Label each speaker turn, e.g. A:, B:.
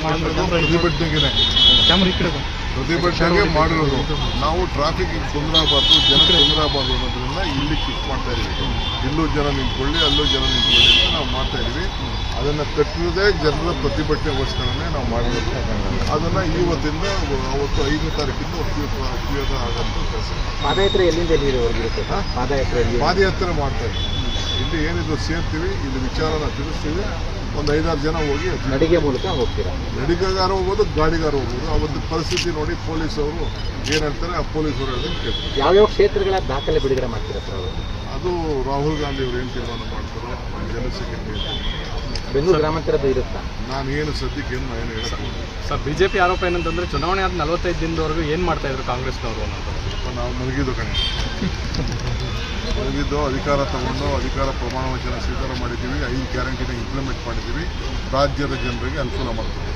A: ಪ್ರತಿಭಟನೆಗೆ ಮಾಡಿರೋದು. ನಾವು ಟ್ರಾಫಿಕ್ ತೊಂದರೆ ಆಗಬಾರ್ದು, ಜನ ತೊಂದರೆ ಆಗಬಾರ್ದು ಅನ್ನೋದ್ರಿಂದ ಇಲ್ಲಿ ಕಿಕ್ ಮಾಡ್ತಾ ಇದೀವಿ. ಇಲ್ಲೂ ಜನ ನಿಂತ್ಕೊಳ್ಳಿ, ಅಲ್ಲೂ ಜನ ನಿಂತ್ಕೊಳ್ಳಿ ಅಂತ ನಾವು ಮಾಡ್ತಾ ಇದೀವಿ. ಅದನ್ನು ಕಟ್ಟಿರೋದೇ ಜನರ ಪ್ರತಿಭಟನೆಗೋಸ್ಕರನೇ ನಾವು ಮಾಡಿರೋದು. ಅದನ್ನು ಇವತ್ತಿಂದ ಅವತ್ತು 5ನೇ ತಾರೀಕಿಂದ ಉಪಯೋಗ ಆಗೋಂಥ ಕೆಲಸ.
B: ಪಾದಯಾತ್ರೆ ಎಲ್ಲಿಂದ
A: ಪಾದಯಾತ್ರೆ ಮಾಡ್ತಾ ಇದ್ದೀವಿ. ಇಲ್ಲಿ ಏನಿದ್ರು ಸೇರ್ತೀವಿ, ಇಲ್ಲಿ ವಿಚಾರನ ತಿಳಿಸ್ತೀವಿ. ಒಂದು 5-6 ಜನ ಹೋಗಿ
B: ನಡಿಗೆ ಮೂಲಕ ಹೋಗ್ತೀರಾ?
A: ನಡಿಗೆಗಾರ ಹೋಗ್ಬೋದು, ಗಾಡಿಗಾರ ಹೋಗ್ಬೋದು. ಅವತ್ತು ಪರಿಸ್ಥಿತಿ ನೋಡಿ ಪೊಲೀಸವರು ಏನು ಹೇಳ್ತಾರೆ, ಆ ಪೊಲೀಸರು ಹೇಳೋದನ್ನು ಕೇಳ್ತಾರೆ.
B: ಯಾವ್ಯಾವ ಕ್ಷೇತ್ರಗಳ ದಾಖಲೆ ಬಿಡುಗಡೆ ಮಾಡ್ತೀರಾ ಸರ್?
A: ಅದು ರಾಹುಲ್ ಗಾಂಧಿ ಅವರು ಏನು ತೀರ್ಮಾನ ಮಾಡ್ತಾರೋ ಜನಸಂಖ್ಯೆ
B: ಬೆಂಗಳೂರು ಗ್ರಾಮಾಂತರದ ಇರುತ್ತಾ?
A: ನಾನು ಏನು ಸದ್ಯಕ್ಕೆ ಏನು ಹೇಳಕ್ಕೆ
C: ಸರ್, ಬಿಜೆಪಿ ಆರೋಪ ಏನಂತಂದ್ರೆ ಚುನಾವಣೆ ಆದ 45 ದಿನದವರೆಗೂ ಏನು ಮಾಡ್ತಾ ಇದ್ರು ಕಾಂಗ್ರೆಸ್ನವರು ಅನ್ನೋದು.
A: ನಾವು ಮಲಗಿದ್ದು ಅಧಿಕಾರ ತಗೊಂಡು ಅಧಿಕಾರ ಪ್ರಮಾಣ ವಚನ ಸ್ವೀಕಾರ ಮಾಡಿದ್ದೀವಿ. 5 ಗ್ಯಾರಂಟಿನ ಇಂಪ್ಲಿಮೆಂಟ್ ಮಾಡಿದ್ದೀವಿ. ರಾಜ್ಯದ ಜನರಿಗೆ ಅನುಕೂಲ ಮಾಡ್ತೀವಿ.